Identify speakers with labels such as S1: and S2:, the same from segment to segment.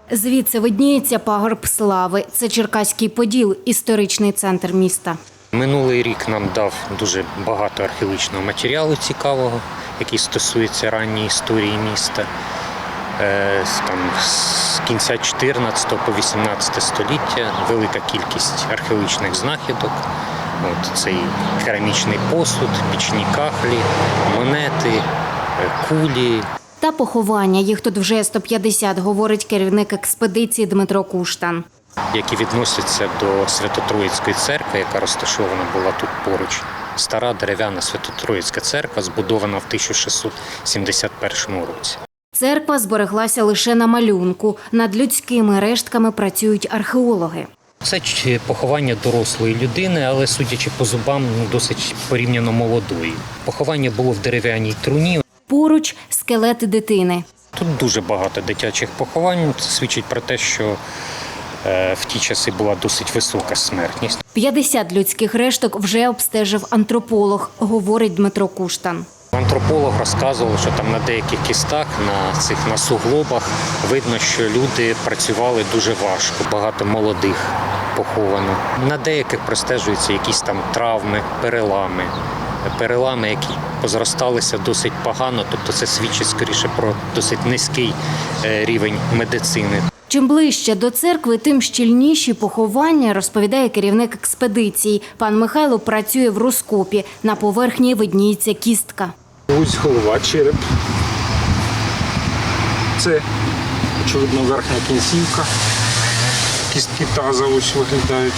S1: Звідси видніється пагорб слави. Це Черкаський Поділ, історичний центр міста.
S2: Минулий рік нам дав дуже багато археологічного матеріалу цікавого, який стосується ранньої історії міста. З кінця 14 по 18 століття велика кількість археологічних знахідок. Це і керамічний посуд, пічні кахлі, монети, кулі.
S1: Та поховання. Їх тут вже 150, говорить керівник експедиції Дмитро Куштан.
S2: Які відносяться до Свято-Троїцької церкви, яка розташована була тут поруч. Стара дерев'яна Свято-Троїцька церква, збудована в 1671 році.
S1: Церква збереглася лише на малюнку. Над людськими рештками працюють археологи.
S2: Це поховання дорослої людини, але, судячи по зубам, досить порівняно молодої. Поховання було в дерев'яній труні.
S1: Поруч – скелети дитини.
S2: Тут дуже багато дитячих поховань. Це свідчить про те, що в ті часи була досить висока смертність.
S1: 50 людських решток вже обстежив антрополог, говорить Дмитро Куштан.
S2: Антрополог розказував, що там на деяких кістах, на суглобах видно, що люди працювали дуже важко, багато молодих поховано. На деяких простежуються якісь там травми, перелами, які позросталися досить погано, тобто це свідчить скоріше про досить низький рівень медицини.
S1: Чим ближче до церкви, тим щільніші поховання, розповідає керівник експедиції. Пан Михайло працює в розкопі. На поверхні видніється кістка.
S3: Ось голова, череп. Це, очевидно, верхня кінцівка. Кістки таза ось виглядають.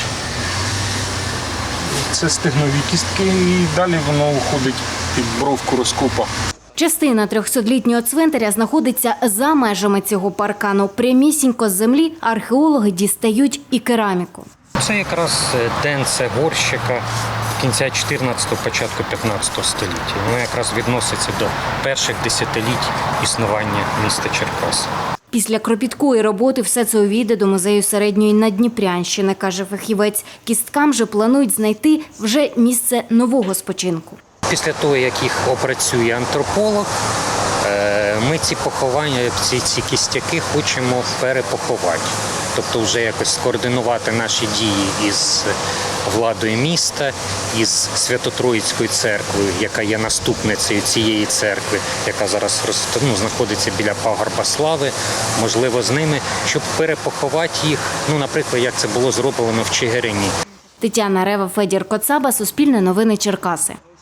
S3: Це стегнові кістки і далі воно уходить під бровку розкопа.
S1: Частина 300-літнього цвинтаря знаходиться за межами цього паркану. Прямісінько з землі археологи дістають і кераміку.
S2: Це якраз денце горщика кінця 14-го, початку 15-го століття. Воно якраз відноситься до перших десятиліть існування міста Черкас.
S1: Після кропіткої роботи все це увійде до музею середньої Надніпрянщини, каже фахівець. Кісткам же планують знайти вже місце нового спочинку.
S2: Після того, як їх опрацює антрополог, ми ці поховання, ці кістяки хочемо перепоховати. Тобто вже якось скоординувати наші дії із владою міста, із Свято-Троїцькою церквою, яка є наступницею цієї церкви, яка зараз знаходиться біля пагорба слави, можливо, з ними, щоб перепоховати їх, наприклад, як це було зроблено в Чигирині.
S1: Тетяна Рева, Федір Коцаба, Суспільне новини Черкаси.